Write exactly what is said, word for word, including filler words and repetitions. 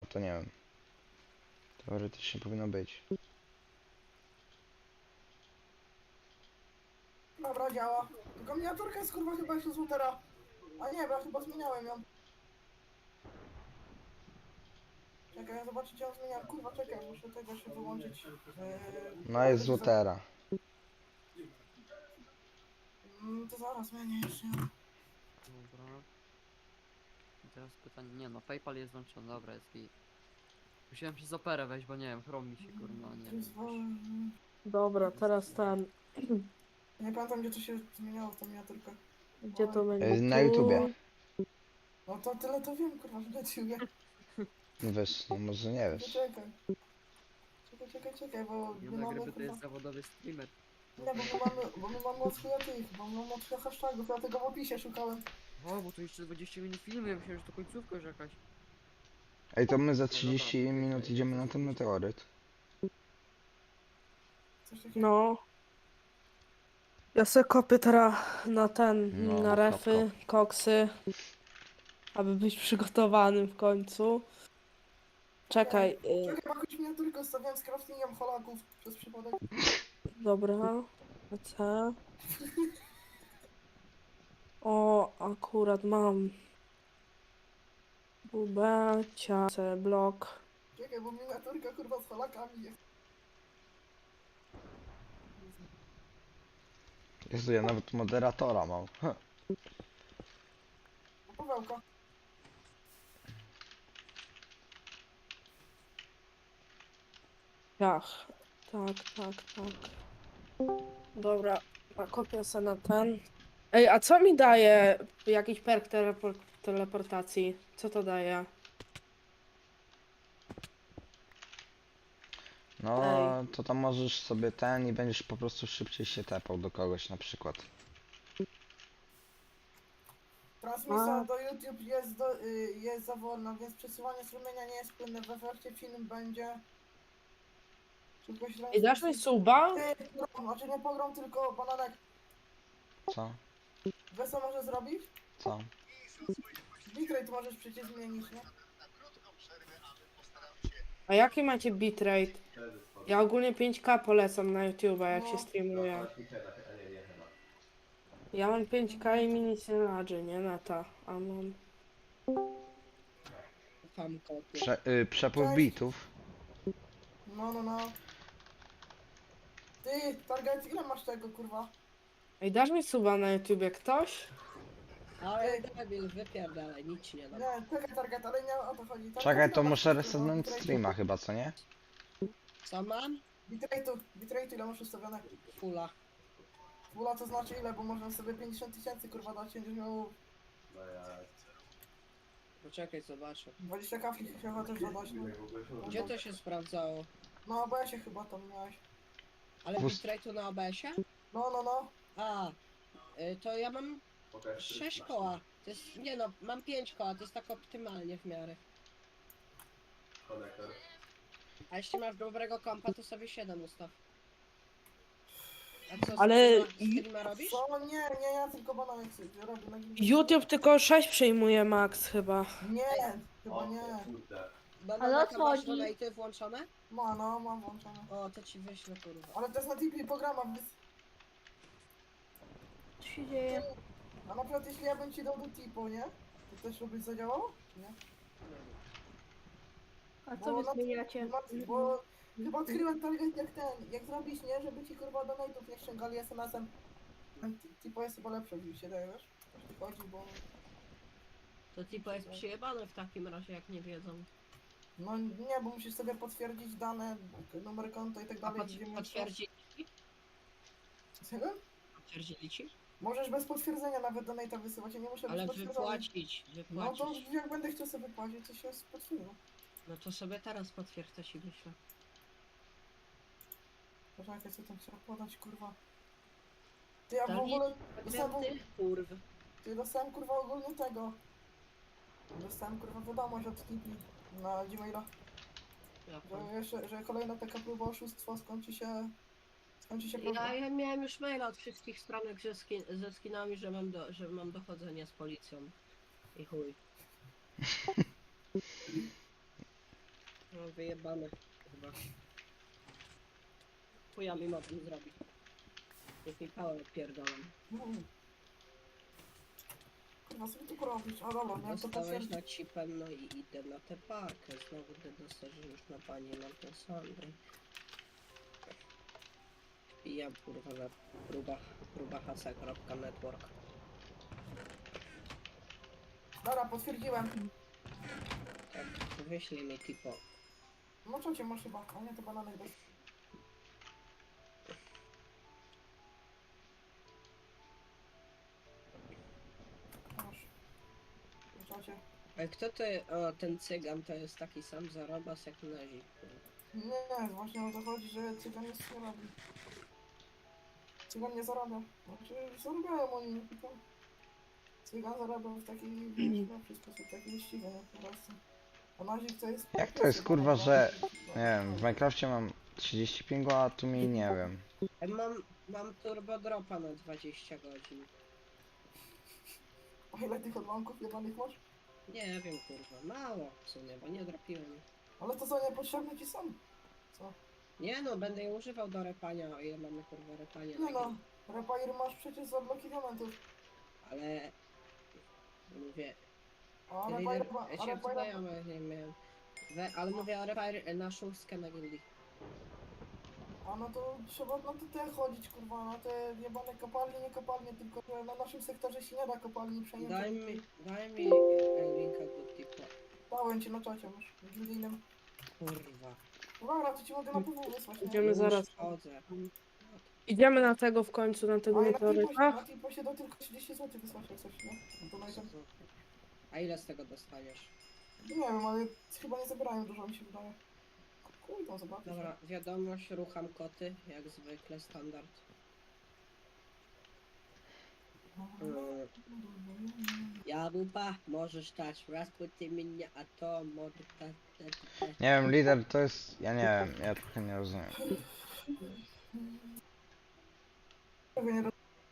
to nie wiem. Teoretycznie powinno być. Dobra, działa. Tylko miniaturka jest kurwa chyba jeszcze z routera. A nie, bo ja chyba zmieniałem ją. Czekaj, ja zobaczę, czy ja zmieniam. Kurwa, czekaj, muszę tego się wyłączyć. Yy, No jest z telewizor. Lutera. Mm, to zaraz zmienię jeszcze. Dobra. I teraz pytanie, nie no, PayPal jest włączony, dobra, jest git. Musiałem się z Operę wejść, bo nie wiem, Chrome mi się kurwa, nie wiem. Przyzwolę- Dobra, teraz ten. Nie pamiętam, gdzie to się zmieniało, tą miniaturkę. Gdzie to będzie? Yy, Na Tu. YouTubie. No to tyle to wiem, kurwa, że na ciebie. No wiesz, no może nie wiesz. Czekaj. Czekaj, czekaj, czekaj, bo Nie my na mamy gryby to kurwa... jest zawodowy streamer. Nie, bo my mamy, bo my mamy od chuja tych, bo my mamy od chuja hashtagów, ja tego w opisie szukałem. O, bo to jeszcze dwadzieścia minut filmu, ja myślałem, że to końcówka już jakaś. Ej, to my za trzydzieści minut idziemy na ten meteoryt. Coś takiego. No. Ja se kopię teraz na ten, No, na kop, refy, koksy. Aby być przygotowanym w końcu. Czekaj. Y, Czekaj, bo jakąś miniaturkę ustawiałem z craftingiem Holaków przez przypadek. dobra. C. O, akurat mam. W B, C, blok. Czekaj, bo miniaturka kurwa z Holakami jest. Jezu, ja nawet moderatora mam. Huh. Pawełka. Ciach. Tak, tak, tak. Dobra, kopię se na ten. Ej, a co mi daje jakiś perk telepor teleportacji? Co to daje? No, Ej. to tam możesz sobie ten i będziesz po prostu szybciej się tepał do kogoś na przykład. Transmisja A. do YouTube jest, do, y, jest za wolna, więc przesyłanie strumienia nie jest płynne. W efekcie film będzie... Szybkość Ej, dasz mi suba? Ty, pogrom, znaczy nie pogrom, tylko bananek. Co? Wiesz co możesz zrobić? Co? Bitrate możesz przecież zmienić, nie? A jaki macie bitrate? Ja ogólnie pięć K polecam na YouTube, jak No. się streamuje. Ja mam pięć K i mi nic nie ladży, nie na to. A mam... Tam kopię. Prze y, przepływ Cześć. bitów. No, no, no. Ty, Target, ile masz tego, kurwa? Ej, dasz mi suba na YouTubie ktoś? Ale debil, wypierdalaj, nic ci nie dam. Nie, czekaj, Target, ale nie o to chodzi. Target, Czekaj, ile to masz, muszę kurwa, resetnąć bitrate'u? streama chyba, co nie? Co mam? Bitrate'u, bitrate'u ile masz ustawione? Fula. Fula to znaczy ile, bo można sobie pięćdziesiąt tysięcy, kurwa, dać, będziesz miał Poczekaj, zobaczę. dwadzieścia kafli chyba też dodać, no. Gdzie to się sprawdzało? No, bo ja się chyba tam miałeś. Ale Wóz- bitrate'u na O B S-ie? No, no, no. A, y, to ja mam sześć koła. To jest, nie no, mam pięć koła, to jest tak optymalnie w miarę. A jeśli masz dobrego kompa, to sobie siedem ustaw. A co, Ale streama, streama robisz? Co? Nie, nie, ja tylko bananek sobie robię na gimnastyce. YouTube tylko sześć przyjmuje max chyba. Nie, chyba nie. Banana masz donaty włączone? Ma, no, mam włączone. O, to ci wyślę, kurwa. Ale to jest na T P programa, więc... Co się dzieje? A na przykład jeśli ja bym ci dał do Tipo, nie? To też by zadziałało? Czy nie? A co wy zmieniacie? Bo chyba odkryłem target jak ten, jak zrobić, nie? Żeby ci kurwa donate'ów nie ściągali S M S-em. Ten Tipo jest chyba lepszy, mi się daje, wiesz? O to chodzi, bo... To tipo jest przyjebane w takim razie, jak nie wiedzą. No nie, bo musisz sobie potwierdzić dane, numer konta i tak A dalej. pot, gdzie mieszkasz. potwierdzili ci? Czego? Potwierdzili ci? Możesz bez potwierdzenia nawet donate'a wysyłać, ja nie muszę Ale być potwierdzony. wypłacić, No to wypłacić. jak będę chciał sobie płacić, to się potwierdzę. No to sobie teraz potwierdzę ci wyślę. Poczekaj, co tam trzeba podać, kurwa. Ty, ja w Dawid, ogóle dostałem, Ty kurw. ty dostałem kurwa ogólnie tego. Dostałem kurwa wiadomość od T P na Gmaila, Ja, że, jeszcze, że kolejna taka próba oszustwa skończy się... Skończy się prawda. ja, ja miałem już maila od wszystkich stronek ze, skin, ze skinami, że mam, do, że mam dochodzenie z policją. I chuj. No wyjebane chyba. Chuja mi mogę zrobić. Niech mi pałę odpierdolam. Mm. Kurwa, sobie tu robić. A dobra, miałem to Dostałeś potwierdzić. na cipem, no i idę na tę parkę. Znowu ty dostajesz już na pani mam tę Sandrę. Wbijam kurwa na próba, próba hasa.network. Dobra, potwierdziłem. Tak, wyślij mi tipo. No co cię masz chyba, a nie to bananek bez... Masz. Co cię? A kto to, o ten cygan to jest taki sam zarobas jak nazik. Nie, właśnie o to chodzi, że cygan nic nie robi. Cygan nie zarabia. Znaczy, zarabiają oni, nie tylko. Cygan zarabia w taki, wiesz, lepszy sposób, taki wyściwy, nie? Po prostu. A nazik to jest... Jak to jest, kurwa, że- Nie wiem, w Minecrafcie mam trzydzieści pingu, a tu mi nie wiem. E, Mam, mam turbo dropa na dwadzieścia godzin. A ile tych odłamków jebanych masz? Nie wiem kurwa, mało w sumie, bo nie dropiłem. Ale to są niepotrzebne ci są. Co? Nie no, będę je używał do repania, o ile mamy kurwa repanie. Nie no, repair masz przecież za bloki diamentów. Ale... Mówię, A ja repair... idę, A ja cię repair... znajomych nie miałem. We, ale mówię o repair na szóstkę na gildii. A no to trzeba na te, te chodzić, kurwa, na te jebane kopalnie, nie kopalnie, tylko że na naszym sektorze się nie da kopalni przejąć. Daj mi, daj mi e, linka do tipa. Dałem ci na czacie, masz, w gildyjnym. Kurwa. Dobra, to ci mogę na P W wysłać, nie? Idziemy Już zaraz. chodzę. Idziemy na tego w końcu, na tego A i na Tiposie, meteoryta. na Tiposie do tylko trzydzieści złotych wysłać jak coś, nie? No to najpierw... A ile z tego dostaniesz? Nie wiem, ale chyba nie zabierają dużo, mi się wydaje. Kuj tam zobaczysz. Dobra, wiadomość, rucham koty, jak zwykle, standard. Mm. Jabłpa, możesz dać rozputy mnie, a to może dać... Nie wiem, lider to jest... Ja nie wiem, ja trochę nie rozumiem. Tego nie